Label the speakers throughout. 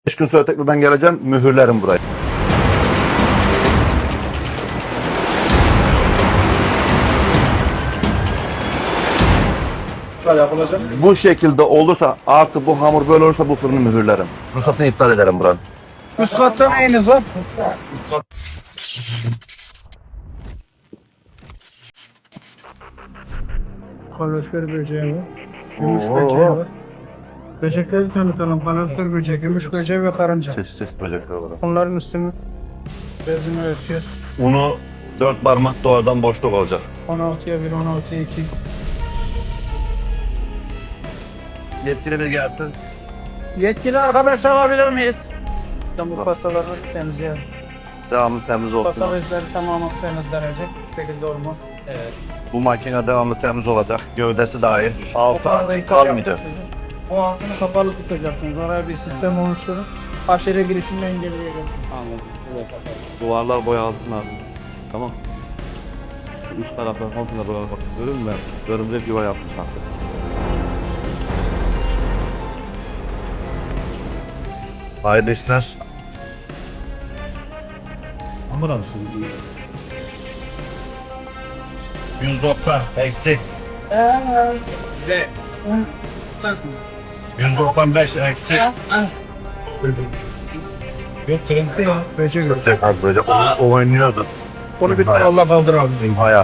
Speaker 1: 5 gün sonra tekrar ben geleceğim, mühürlerim burayı.
Speaker 2: Yapılacak.
Speaker 1: Bu şekilde olursa, artık bu hamur böyle olursa bu fırını mühürlerim. Ruhsatını iptal ederim buranın.
Speaker 2: Üst katta neyiniz var? Kalorifer böceği var. Gümüş böceği var. Böcekleri tanıtalım. Kalorifer böceği, gümüş böceği ve karınca.
Speaker 1: Çeşit böcekler var.
Speaker 2: Onların üstünü bezini örtüyor.
Speaker 1: Unu 4 parmak doğrudan boşluk olacak.
Speaker 2: 16'ya 1, 16'ya 2.
Speaker 1: Yetkili gelsin.
Speaker 2: Yetkili arkadaş alabilir miyiz? Bu pasaları temizleyelim.
Speaker 1: Devamlı temiz olsun.
Speaker 2: Pasa bezleri tamamen temizlenecek. Bu şekilde olmaz. Evet.
Speaker 1: Bu makine devamlı temiz olacak. Gövdesi dahil. Altı
Speaker 2: Kapalı
Speaker 1: kalmayacak.
Speaker 2: Bu altını kapalı tutacaksınız. Oraya bir sistem oluşturun. Aşırı girişini engelleyecek.
Speaker 3: Anladım. Evet. Duvarlar boyalsın abi. Tamam. Üst taraflar komple boyamak istiyorum ben. Örümcek yuva yapmış artık.
Speaker 1: Hayırlı işler.
Speaker 3: Ambulans.
Speaker 1: 190 eksik.
Speaker 2: Size.
Speaker 1: 195 eksik.
Speaker 2: Yok kırıntı ya. Böcek yok.
Speaker 1: Eksik az böyle oynuyordu.
Speaker 2: Onu bir Allah kaldır abi.
Speaker 1: Hayal.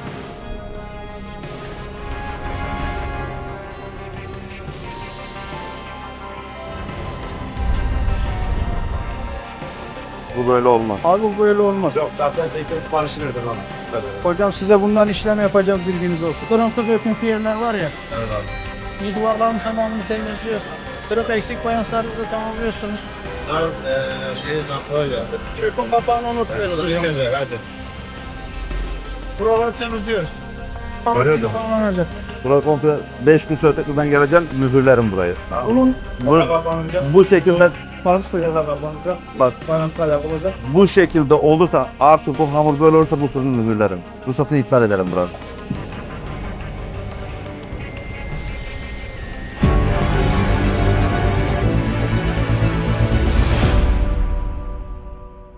Speaker 1: Bu böyle olmaz.
Speaker 2: Abi bu böyle olmaz.
Speaker 3: Yok zaten zeytin siparişi verdim ona.
Speaker 2: Hocam size bundan işlem yapacağız, bilginiz olsun. Kırıntı döküntü yerler var ya.
Speaker 3: Evet abi.
Speaker 2: Bir duvarların tamamını temizliyorsun. Kırık eksik fayanslarınızı tamamlıyorsunuz.
Speaker 3: Öyle.
Speaker 2: Çöpün kapağını unutmuyoruz.
Speaker 3: Hadi.
Speaker 2: Buraları temizliyoruz.
Speaker 1: Öyle de.
Speaker 2: Tamamlanacak.
Speaker 1: Burası komple 5 gün sonra tekrar ben geleceğim, mühürlerim burayı.
Speaker 2: Bunun
Speaker 1: Bu şekilde
Speaker 2: fayanslarıyla kapanacak.
Speaker 1: bak,
Speaker 2: Fayanslar yapılacak.
Speaker 1: bu şekilde olursa, artık bu hamur böyle olursa bu fırını mühürlerim. Ruhsatını iptal ederim buranın.